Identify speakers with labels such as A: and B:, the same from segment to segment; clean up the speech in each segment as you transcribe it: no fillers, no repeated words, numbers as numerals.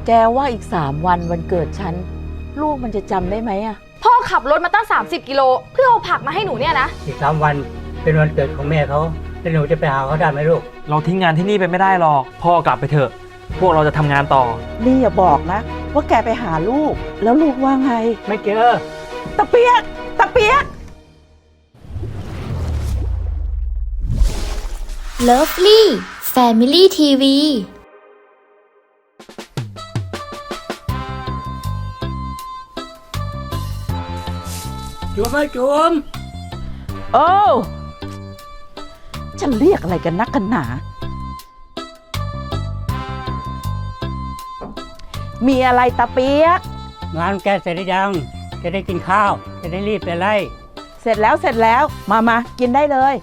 A: แกว่าอีก3 วันวันเกิดฉันลูกมันจะจำได้ไหมอะ
B: พ่อขับรถมาตั้ง30 กิโลเพื่อเอาผักมาให้หนูเนี่ยนะ
C: อีก3 วันเป็นวันเกิดของแม่เขาแล้วหนูจะไปหาเขาได้ไหมลูก
D: เราทิ้งงานที่นี่ไปไม่ได้หรอกพ่อกลับไปเถอะพวกเราจะทำงานต่อ
A: นี่อย่าบอกนะว่าแกไปหาลูกแล้วลูกว่าไง
C: ไม่เจอ
A: ตะเปียกตะเปียก
E: Lovely Family TV
C: จุ๋มไหมจุ๋ม
A: โอ้จะเรียกอะไรกันนักกันหนามีอะไรตะเปียก
C: งานแกเสร็จหรือยังจะได้กินข้าวจะได้รีบไปไล่
A: เสร็จแล้วมากินได้เลย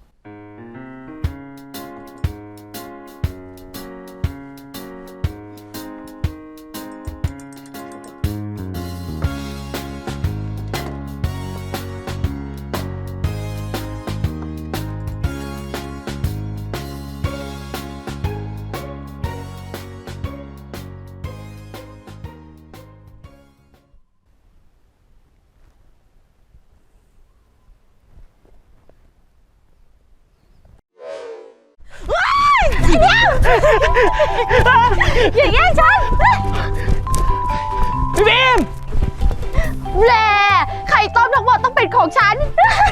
B: อย่าแย่งฉัน
D: พี่บีม
B: แหล่ไข่ต้มทั้งหมดต้องเป็นของฉัน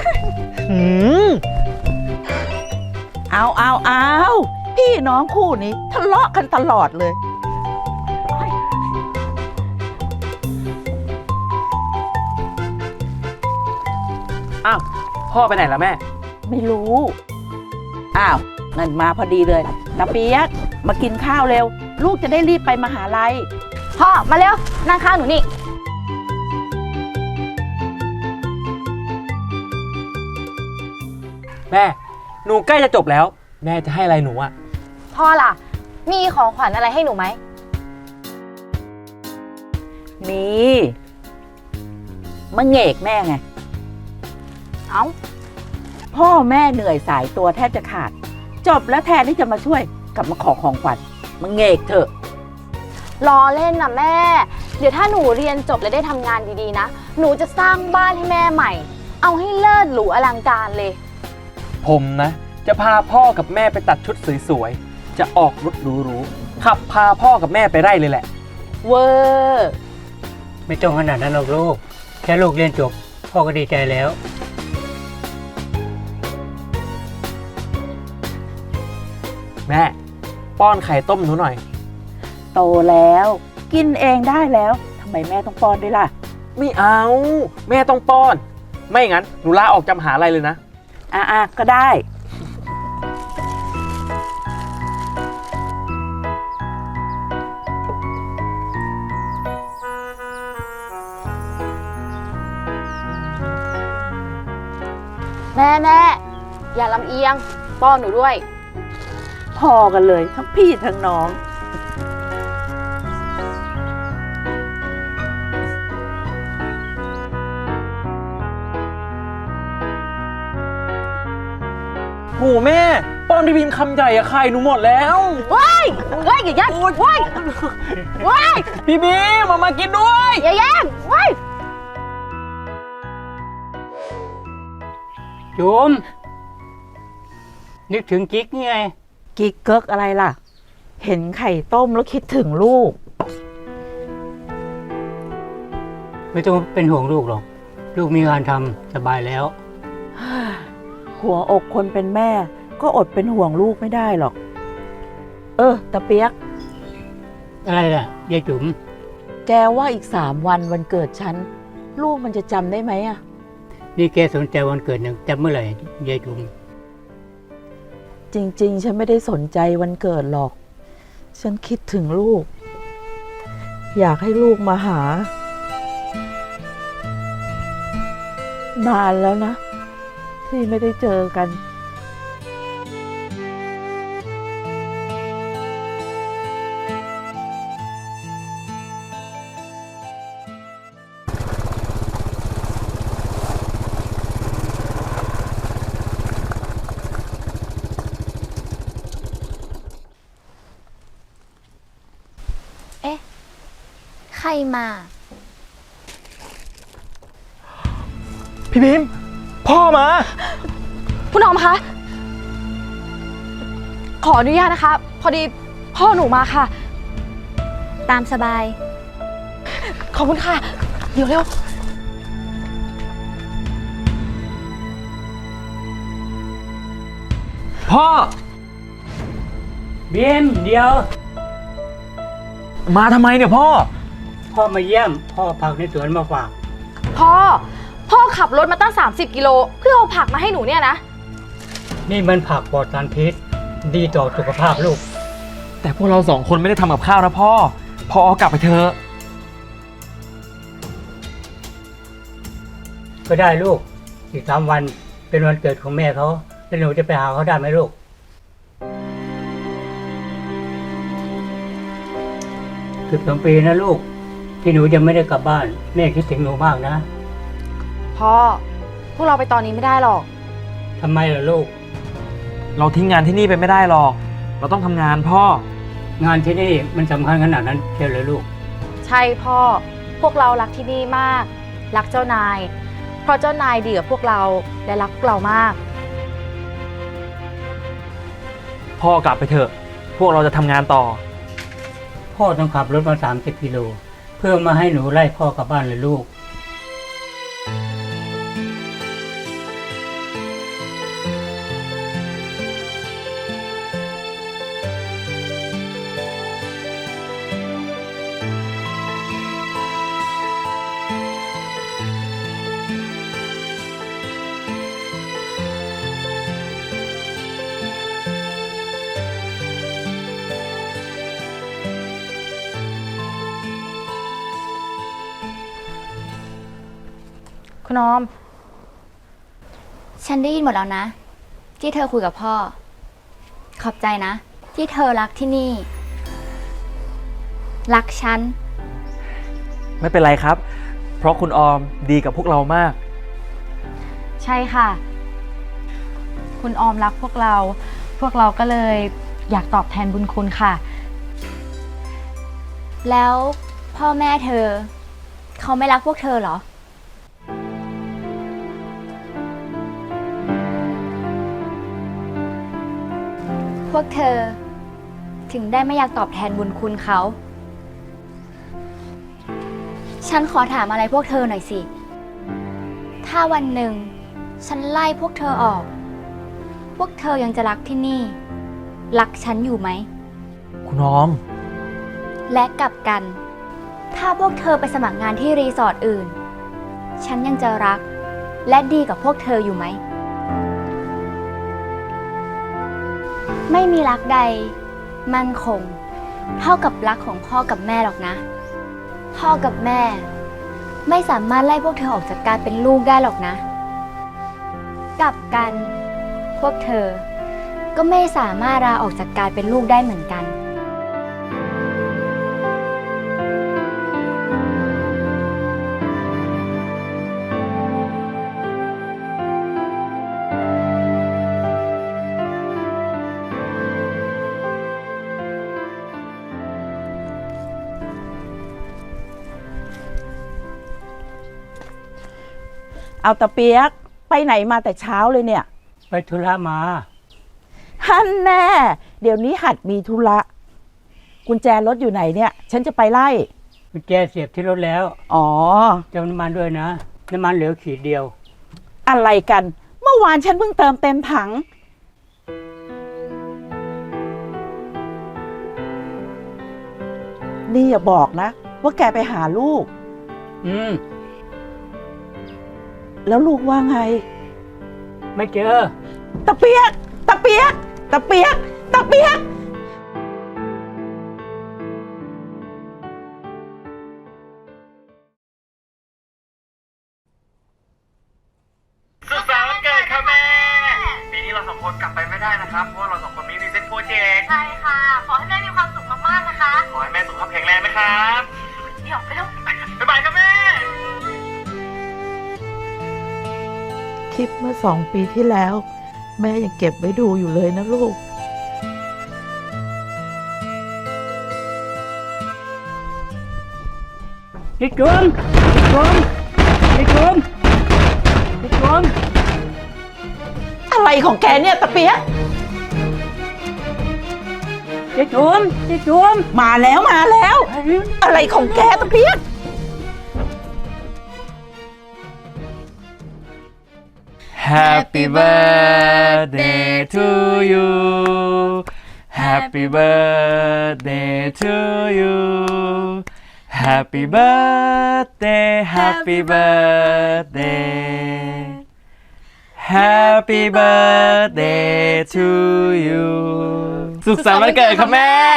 A: เอาพี่น้องคู่นี้ทะเลาะกันตลอดเลย
D: อ้าวพ่อไปไหนแล้วแม่
A: ไม่รู้อ้าวนั่นมาพอดีเลยตะเปียกมากินข้าวเร็วลูกจะได้รีบไปมหาลัย
B: พ่อมาเร็วนั่งข้างหนูนี่
D: แม่หนูใกล้จะจบแล้วแม่จะให้อะไรหนูอ่ะ
B: พ่อล่ะมีของขวัญอะไรให้หนูไหม
A: มีมะเหงกแม่ไง
B: เอ้า
A: พ่อแม่เหนื่อยสายตัวแทบจะขาดจบแล้วแทนที่จะมาช่วยกลับมาขอของขวัญมะเหงกเถอะ
B: รอเล่นนะแม่เดี๋ยวถ้าหนูเรียนจบและได้ทำงานดีๆนะหนูจะสร้างบ้านให้แม่ใหม่เอาให้เลิศหรูอลังการเลย
D: ผมนะจะพาพ่อกับแม่ไปตัดชุดสวยๆจะออกรถหรูๆขับพาพ่อกับแม่ไปไร่เลยแหละ
A: เวอร์
C: ไม่ต้องขนาดนั้นหรอกลูกแค่ลูกเรียนจบพ่อก็ดีใจแล้ว
D: แม่ป้อนไข่ต้มหนูหน่อย
A: โตแล้วกินเองได้แล้วทำไมแม่ต้องป้อนด้วยล่ะ
D: ไม่เอาแม่ต้องป้อนไม่งั้นหนูลาออกจากมหาลัยเลยนะ
A: ก็ได้
B: แม่อย่าลำเอียงป้อนหนูด้วย
A: พอกันเลยทั้งพี่ทั้งน้อง
D: โหแม่ป้อนพี่บีมคำใหญ่อะไข่หนูหมดแล้ว
B: ว้ายอย่าแย่งว้าย
D: พี่บีมมากินด้วย
B: อย่าแย่งว้าย
C: จุ๋มนึกถึงกิ๊กไง
A: กิ๊กเกิกอะไรล่ะเห็นไข่ต้มแล้วคิดถึงลูก
C: ไม่ต้องเป็นห่วงลูกหรอกลูกมีงานทำสบายแล้ว
A: หัวอกคนเป็นแม่ก็อดเป็นห่วงลูกไม่ได้หรอกตะเปียก
C: อะไรล่ะยายจุ๋ม
A: แกว่าอีก3 วันวันเกิดฉันลูกมันจะจำได้ไหมอะ
C: นี่แกสนใจวันเกิดยังจำเมื่อไหร่ยายจุ๋ม
A: จริงๆฉันไม่ได้สนใจวันเกิดหรอกฉันคิดถึงลูกอยากให้ลูกมาหานานแล้วนะที่ไม่ได้เจอกัน
B: พ
E: ใครมา
D: พี่พิมพ์พ่อมา
B: คุณออมคะ ขออนุญาตนะคะ พอดีพ่อหนูมาค่ะ
E: ตามสบาย
B: ขอบคุณค่ะ เดี๋ยวเร็ว
D: พ่อ
C: บีมเดี๋ยว
D: มาทำไมเนี่ยพ่อ
C: พ่อมาเยี่ยม พ่อผักในสวนมาฝาก
B: พ่อขับรถมาตั้ง30 กิโลเพื่อเอาผักมาให้หนูเนี่ยนะ
C: นี่มันผักปลอดสารพิษดีต่อสุขภาพลูก
D: แต่พวกเราสองคนไม่ได้ทำกับข้าวนะพ่อ พ่อเอากลับไปเถอะ
C: ก็ได้ลูกอีก3 วันเป็นวันเกิดของแม่เขาแล้วหนูจะไปหาเขาได้ไหมลูก12 ปีนะลูก ที่หนูยังไม่ได้กลับบ้านแม่คิดถึงหนูมากนะ
B: พ่อ พวกเราไปตอนนี้ไม่ได้หรอก
C: ทำไมล่ะลูก
D: เราทิ้งงานที่นี่ไปไม่ได้หรอก เราต้องทำงานพ่อ
C: งานที่นี่มันสำคัญขนาดนั้นเชียวเลยลูก
B: ใช่พ่อ พวกเรารักที่นี่มาก รักเจ้านาย เพราะเจ้านายดีกับพวกเราและรักพวกเรามาก
D: พ่อกลับไปเถอะ พวกเราจะทำงานต่อ
C: พ่อต้องขับรถมา30 กิโลเพื่อมาให้หนูไล่พ่อกลับบ้านเลยลูก
B: คุณออม
E: ฉันได้ยินหมดแล้วนะ ที่เธอคุยกับพ่อ ขอบใจนะ ที่เธอรักที่นี่ รักฉัน
D: ไม่เป็นไรครับ เพราะคุณออมดีกับพวกเรามาก
B: ใช่ค่ะ คุณออมรักพวกเราก็เลยอยากตอบแทนบุญคุณค่ะ
E: แล้วพ่อแม่เธอ เขาไม่รักพวกเธอเหรอ พวกเธอ ถึงได้ไม่อยากตอบแทนบุญคุณเขา ฉันขอถามอะไรพวกเธอหน่อยสิ ถ้าวันหนึ่ง ฉันไล่พวกเธอออก พวกเธอยังจะรักที่นี่ รักฉันอยู่ไหม
D: คุณออม
E: และกลับกัน ถ้าพวกเธอไปสมัครงานที่รีสอร์ทอื่น ฉันยังจะรัก และดีกับพวกเธออยู่ไหม ไม่มีรักใด มั่นคง เท่ากับรักของพ่อกับแม่หรอกนะ พ่อกับแม่ ไม่สามารถไล่พวกเธอออกจากการเป็นลูกได้หรอกนะ กลับกัน พวกเธอ ก็ไม่สามารถลาออกจากการเป็นลูกได้เหมือนกัน
A: เอาตะเปียกไปไหนมาแต่เช้าเลยเนี่ย
C: ไปธุระมา
A: ฮันแน่ เดี๋ยวนี้หัดมีธุระกุญแจรถอยู่ไหนเนี่ย ฉันจะไปไล่
C: กุญแจเสียบที่รถแล้ว
A: อ๋อ
C: เติมน้ำมันด้วยนะ น้ำมันเหลือขีดเดียว
A: อะไรกัน เมื่อวานฉันเพิ่งเติมเต็มถัง นี่อย่าบอกนะ ว่าแกไปหาลูก
C: อืม
A: แล้วลูกว่าไง
C: ไม่เจอ
A: ตะเปียก ตะเปียก ตะเปียก ตะเปียก
D: สุขสันต์วันเกิดค่ะแม่ ปีนี้เราสองคนกลับไปไม่ได้นะครับ เพราะว่าเราสองคนมีพรีเซนต์โปรเจกต์
B: ใช่ค่ะ ขอให้แม่มีความสุขมากๆนะคะ
D: ขอให้แม่สุขภาพแข็งแรงนะครับ
B: เดี๋ยวไปเร็ว
D: บ๊ายบายครับแม่
A: คลิปเมื่อ2 ปีที่แล้ว แม่ยังเก็บไว้ดูอยู่เลยนะลูก
C: ยายจุ๋มยายจุ๋มยายจุ๋ม
A: อะไรของแกเนี่ยตะเปียก
C: ยายจุ๋มยายจุ๋ม
A: มาแล้ว อะไรของแกตะเปียก
D: Happy birthday to you Happy birthday to you Happy birthday Happy birthday Happy birthday to you สุขสันต์วันเกิดครับแม่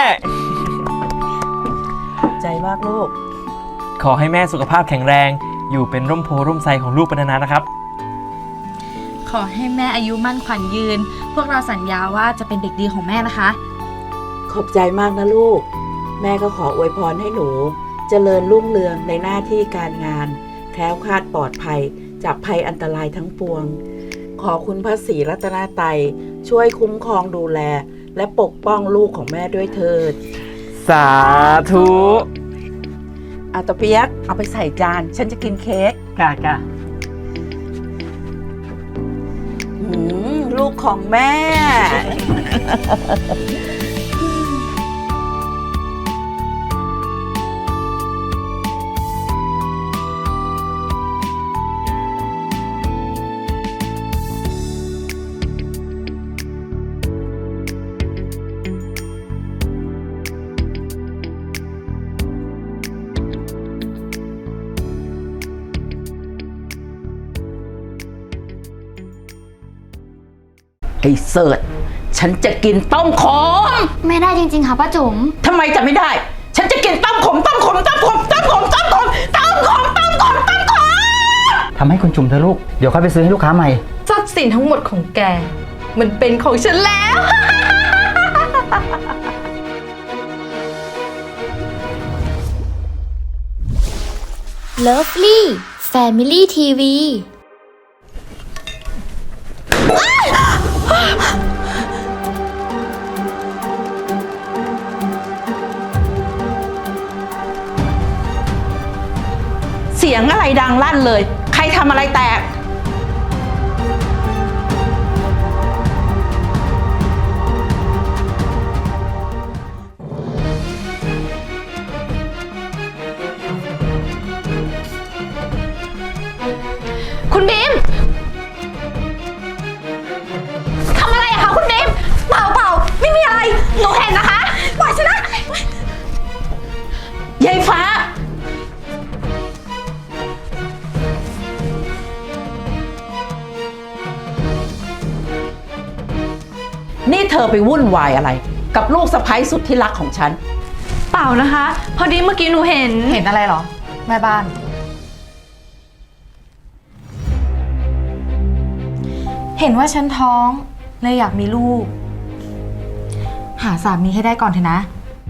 A: ใจมากลูก
D: ขอให้แม่สุขภาพแข็งแรง อยู่เป็นร่มโพร่มไทรของลูกเป็นนานๆนะครับ
B: ขอให้แม่อายุมั่นขวัญยืน พวกเราสัญญาว่าจะเป็นเด็กดีของแม่นะคะ
A: ขอบใจมากนะลูก แม่ก็ขออวยพรให้หนู เจริญรุ่งเรืองในหน้าที่การงาน แคล้วคลาดปลอดภัยจากภัยอันตรายทั้งปวง ขอคุณพระศรีรัตนตรัยช่วยคุ้มครองดูแล และปกป้องลูกของแม่ด้วยเถิด
D: สาธุ
A: อาตะเปียกเอาไปใส่จาน ฉันจะกินเค้ก
C: จ้า
A: ลูกของแม่ ไอ้เสิร์ชฉันจะกินต้มขม
E: ไม่ได้จริงๆค่ะป้าจุ๋ม
A: ทำไมจะไม่ได้ ฉันจะกินต้มขม ต้มขม ต้มขม ต้มขม ต้มขม ต้มขม ต้มขม ต้มขม
F: ทำให้คุณจุ่มเถอะลูก เดี๋ยวค่อยไปซื้อให้ลูกค้าใหม่
B: ทรัพย์สินทั้งหมดของแก มันเป็นของฉันแล้ว
E: Lovely Family TV
A: เสียงอะไรดังลั่นเลย ใครทำอะไรแตก
B: คุณบีมทำอะไรอะคะคุณบีมเปล่าไม่มีอะไร หนูเห็นนะคะปล่อยฉันนะ
A: ยายฟ้า นี่เธอไปวุ่นวายอะไร กับลูกสะใภ้สุดที่รักของฉัน
B: เปล่านะคะ พอดีเมื่อกี้หนูเห็นอะไรหรอ แม่บ้าน เห็นว่าฉันท้องเลยอยากมีลูก หาสามีให้ได้ก่อนเถอะนะ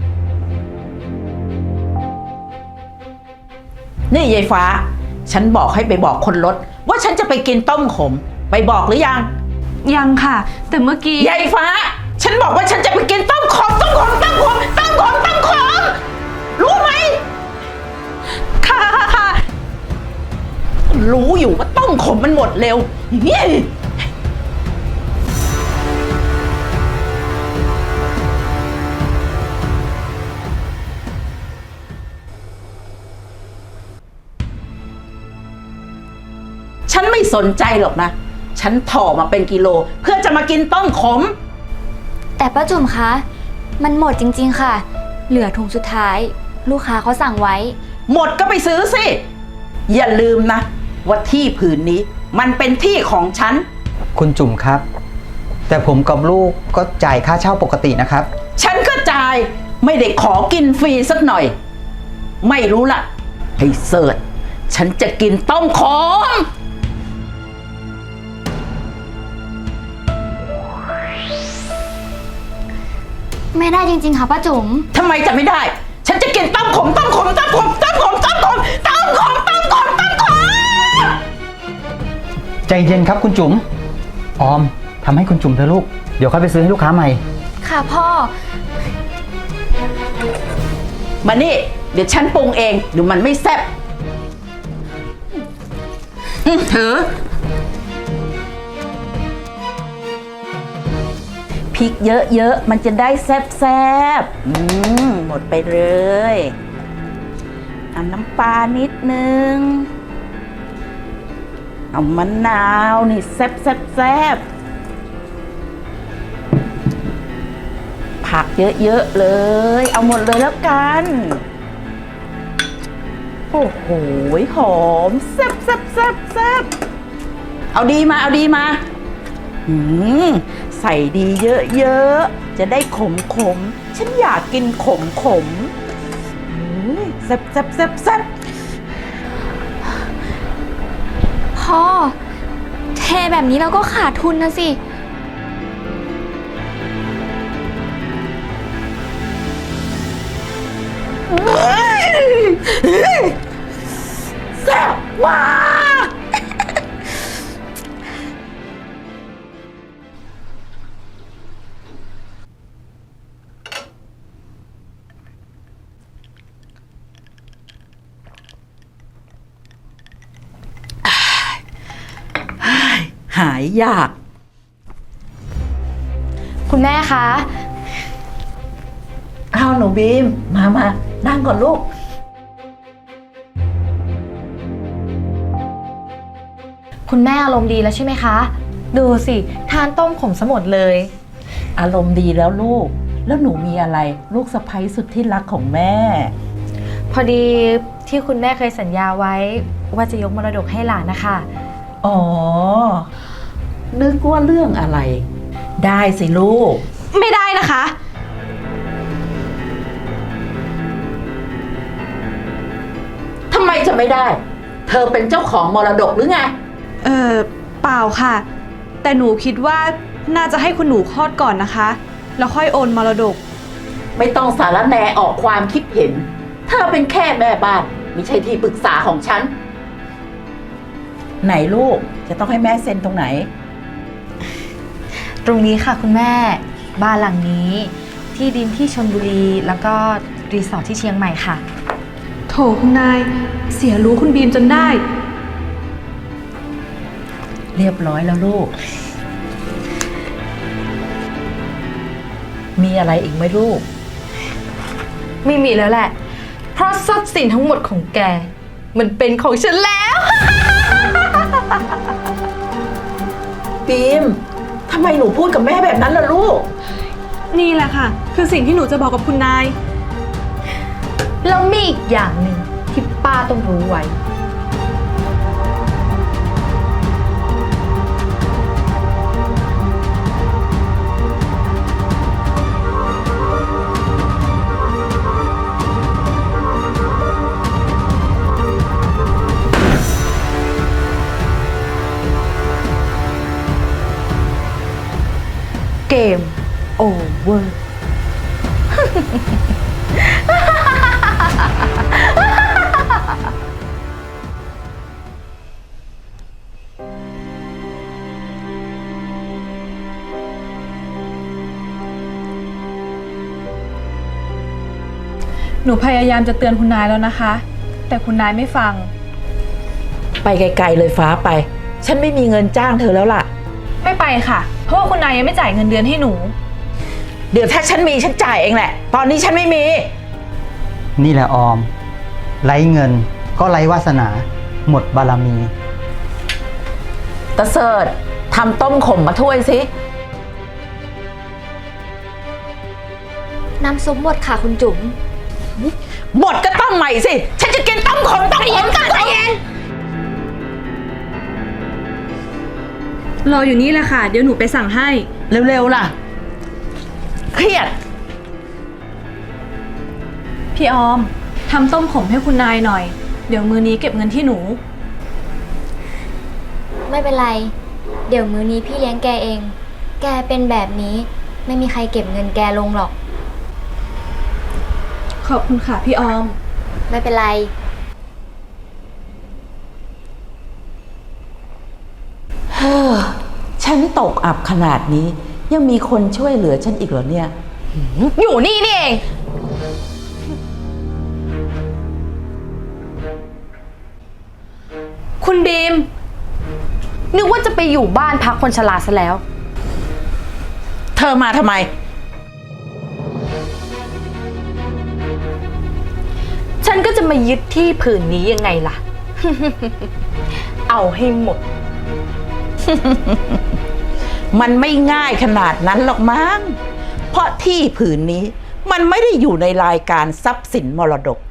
A: นี่ยายฟ้า ฉันบอกให้ไปบอกคนรถ ว่าฉันจะไปกินต้มขม ไปบอกหรือยัง
B: ยังค่ะ แต่เมื่อกี้
A: ยายฟ้า ฉันบอกว่าฉันจะไปกินต้มขม ต้มขม ต้มขม ต้มขม ต้มขม รู้ไหม
B: ค่ะ
A: รู้อยู่ว่าต้มขมมันหมดเร็วเฮ้ยฉันไม่สนใจหรอกนะ ฉันถ่อมาเป็นกิโลเพื่อจะมากินต้มขม
E: แต่ป้าจุ๋มคะ มันหมดจริงๆค่ะ เหลือถุงสุดท้าย ลูกค้าเขาสั่งไว้
A: หมดก็ไปซื้อสิ อย่าลืมนะ ว่าที่ผืนนี้มันเป็นที่ของฉัน
F: คุณจุ่มครับ แต่ผมกับลูกก็จ่ายค่าเช่าปกตินะครับ
A: ฉันก็จ่ายไม่ได้ขอกินฟรีสักหน่อย ไม่รู้ล่ะไอ้เสิร์ชฉันจะกินต้มขม
E: ไม่ได้จริงๆค่ะป้าจุ๋ม
A: ทำไมจะไม่ได้ ฉันจะกินต้มขม ต้มขม ต้มขม ต้มขม ต้มขม ต้มขม ต้มขม ต้มขม
F: ใจเย็นครับคุณจุ๋ม ออมทำให้คุณจุ๋มเถอะลูก เดี๋ยวค่อยไปซื้อให้ลูกค้าใหม่
E: ค่ะพ่อ
A: มานี่ เดี๋ยวฉันปรุงเองเดี๋ยวมันไม่แซ่บถือพริกเยอะๆมันจะได้แซ่บๆหมดไปเลยเอาน้ำปลานิดนึงเอามะนาวนี่แซ่บผักเยอะๆเลยเอาหมดเลยแล้วกันโอ้โหหอมแซ่บเอาดีมาใส่ดีเยอะๆจะได้ขมฉันอยากกินขมแซ่บ
E: พ่อ เทแบบนี้เราก็ขาดทุนนะสิ
A: แซ่บมากหายยาก
B: คุณแม่คะ
A: เอาหนูบีมมานั่งก่อนลูก
B: คุณแม่อารมณ์ดีแล้วใช่ไหมคะ ดูสิทานต้มขมสมดเลย
A: อารมณ์ดีแล้วลูก แล้วหนูมีอะไรลูกสะใภ้สุดที่รักของแม่
B: พอดีที่คุณแม่เคยสัญญาไว้ว่าจะยกมรดกให้หลานนะคะ
A: อ๋อ นึกว่าเรื่องอะไร ได้สิลูก
B: ไม่ได้นะคะ
A: ทำไมจะไม่ได้ เธอเป็นเจ้าของมรดกหรือไง
G: เปล่าค่ะ แต่หนูคิดว่าน่าจะให้คุณหนูคลอดก่อนนะคะ แล้วค่อยโอนมรดก
A: ไม่ต้องสารแหนออกความคิดเห็น เธอเป็นแค่แม่บ้าน ไม่ใช่ที่ปรึกษาของฉัน ไหนลูก จะต้องให้แม่เซ็นตรงไหน
B: ตรงนี้ค่ะคุณแม่ บ้านหลังนี้ ที่ดินที่ชลบุรี แล้วก็รีสอร์ทที่เชียงใหม่ค่ะ
G: โถคุณนาย เสียรู้คุณบีมจนได้
A: เรียบร้อยแล้วลูก มีอะไรอีกไหมลูก
B: ไม่มีแล้วแหละ เพราะทรัพย์สินทั้งหมดของแก มันเป็นของฉันแล้ว
A: บีม ทำไมหนูพูดกับแม่แบบนั้นล่ะลูก
G: นี่แหละค่ะ คือสิ่งที่หนูจะบอกกับคุณนาย
B: แล้วมีอีกอย่างหนึ่งที่ป้าต้องรู้ไว้ เกมโอเวอร์
G: หนูพยายามจะเตือนคุณนายแล้วนะคะ แต่คุณนายไม่ฟัง
A: ไปไกลๆเลยฟ้าไป ฉันไม่มีเงินจ้างเธอแล้วล่ะ
G: ไม่ไปค่ะ เพราะว่าคุณนายยังไม่จ่ายเงินเดือนให้หนู
A: เดี๋ยวถ้าฉันมีฉันจ่ายเองแหละ ตอนนี้ฉันไม่มี
F: นี่แหละออม ไร้เงินก็ไร้วาสนา หมดบารมี
A: ตะเสิร์ตทำต้มขมมาถ้วยสิ
E: น้ำซุปหมดค่ะคุณจุ๋ม
A: หมดก็ต้มใหม่สิ ฉันจะกินต้มขมต้มขมต้มขม
G: รออยู่นี่แหละค่ะ เดี๋ยวหนูไปสั่งให้
A: เร็วๆล่ะ เครียด
G: พี่ออมทำต้มขมให้คุณนายหน่อย เดี๋ยวมื้อนี้เก็บเงินที่หนู
E: ไม่เป็นไร เดี๋ยวมื้อนี้พี่เลี้ยงแกเอง แกเป็นแบบนี้ไม่มีใครเก็บเงินแกลงหรอก
G: ขอบคุณค่ะพี่ออม
E: ไม่เป็นไร
A: ฉันตกอับขนาดนี้ ยังมีคนช่วยเหลือฉันอีกเหรอเนี่ย
B: อยู่นี่นี่เอง
G: คุณบีม
B: นึกว่าจะไปอยู่บ้านพักคนชราซะแล้ว
A: เธอมาทำไม
B: ฉันก็จะมายึดที่ผืนนี้ยังไงล่ะ เอาให้หมด
A: มันไม่ง่ายขนาดนั้นหรอกมั้ง เพราะที่ผืนนี้มันไม่ได้อยู่ในรายการทรัพย์สินมรดก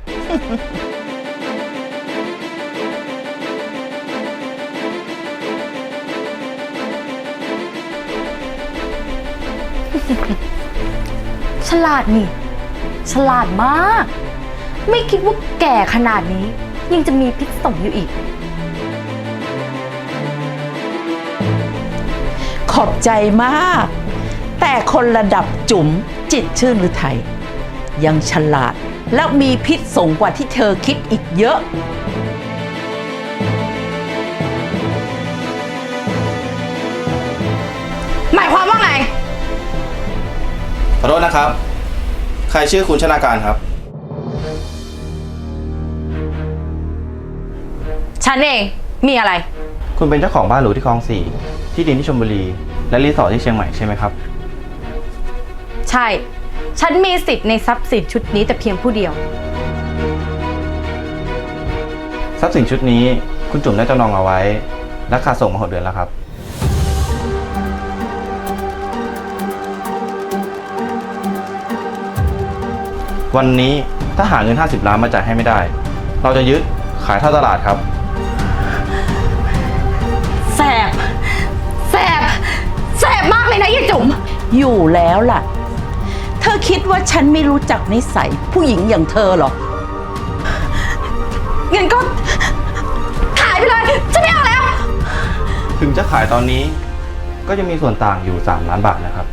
B: ฉลาดนี่ ฉลาดมาก ไม่คิดว่าแก่ขนาดนี้ ยังจะมีพิษสงอยู่อีก
A: ขอบใจมาก แต่คนระดับจุ๋มจิตรชื่นหรือไทย ยังฉลาดและมีพิษสงกว่าที่เธอคิดอีกเยอะ
B: หมายความว่าไง
H: ขอโทษนะครับ ใครชื่อคุณชนาการครับ
B: ฉันเอง มีอะไร
H: คุณเป็นเจ้าของบ้านหรูที่คลอง 4 ที่ดินที่ชลบุรี และรีสอร์ทที่เชียงใหม่ใช่ไหมครับ
B: ใช่ ฉันมีสิทธิ์ในทรัพย์สินชุดนี้แต่เพียงผู้เดียว
H: ทรัพย์สินชุดนี้คุณจุ๋มได้จำนองเอาไว้ราคาส่งมา6 เดือนแล้วครับ วันนี้ถ้าหาเงิน50 ล้านมาจ่ายให้ไม่ได้ เราจะยึดขายท่อตลาดครับ
B: แสบ แสบ แสบมากเลยนะยายจุ๋ม
A: อยู่แล้วล่ะ เธอคิดว่าฉันไม่รู้จักนิสัยผู้หญิงอย่างเธอหรอ
B: เงินก็ขายไปเลย ฉันไม่เอาแล้ว
H: ถึงจะขายตอนนี้ก็จะมีส่วนต่างอยู่3 ล้านบาทนะครับ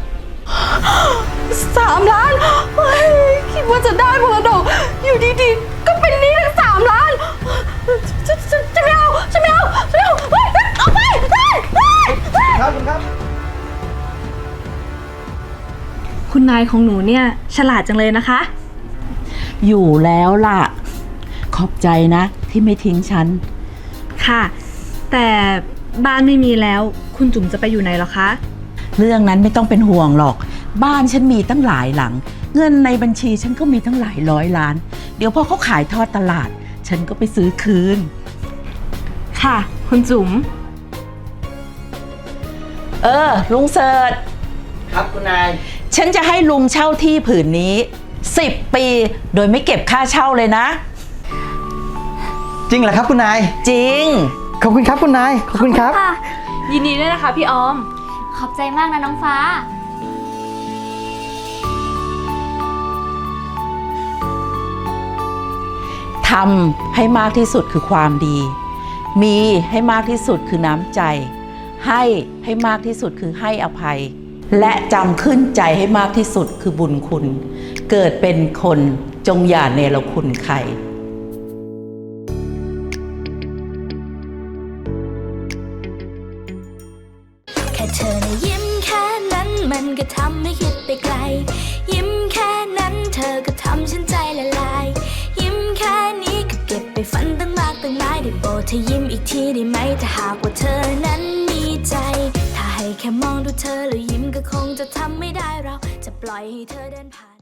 B: 3 ล้านเฮ้ยคิดว่าจะได้มรดกอยู่ดีๆ ก็เป็นหนี้ทั้ง3 ล้านฉันไม่เอาฉันไม่เอาฉันไม่เอาเฮ้ยเอาไปเฮ้ยเฮ้ยเฮ้ย
H: ครับคุณครับ
G: คุณนายของหนูเนี่ยฉลาดจังเลยนะคะ
A: อยู่แล้วล่ะ ขอบใจนะที่ไม่ทิ้งฉัน
G: ค่ะ แต่บ้านไม่มีแล้ว คุณจุ๋มจะไปอยู่ไหนหรอคะ
A: เรื่องนั้นไม่ต้องเป็นห่วงหรอก บ้านฉันมีตั้งหลายหลัง เงินในบัญชีฉันก็มีตั้งหลายร้อยล้าน เดี๋ยวพอเขาขายทอดตลาด ฉันก็ไปซื้อคืน
G: ค่ะ คุณจุ๋ม
A: ลุงเสิร์ช
F: ครับคุณนาย
A: ฉันจะให้ลุงเช่าที่ผืนนี้10 ปีโดยไม่เก็บค่าเช่าเลยนะ
F: จริงเหรอครับคุณนาย
A: จริง
F: ขอบคุณครับคุณนาย ขอบคุณครับ
G: ค่ะ ยินดีด้วยนะคะพี่ออม
E: ขอบใจมากนะน้องฟ้า
A: ทำให้มากที่สุดคือความดี มีให้มากที่สุดคือน้ำใจ ให้มากที่สุดคือให้อภัย และจำขึ้นใจให้มากที่สุดคือบุญคุณ เกิดเป็นคนจงอย่าเนรคุณใคร
I: แค่เธอนะยิ้มแค่นั้นมันก็ทำให้คิดไปไกล ยิ้มแค่นั้นเธอก็ทำฉันใจละลาย ยิ้มแค่นี้ก็เก็บไปฝันตั้งมากตั้งหลายได้โปรดเธอยิ้มอีกทีได้ไหมถ้าหากว่าเธอนั้นมีใจ ถ้าให้แค่มองดูเธอแล้วยิ้มก็คงจะทำไม่ได้เราจะปล่อยให้เธอเดินผ่าน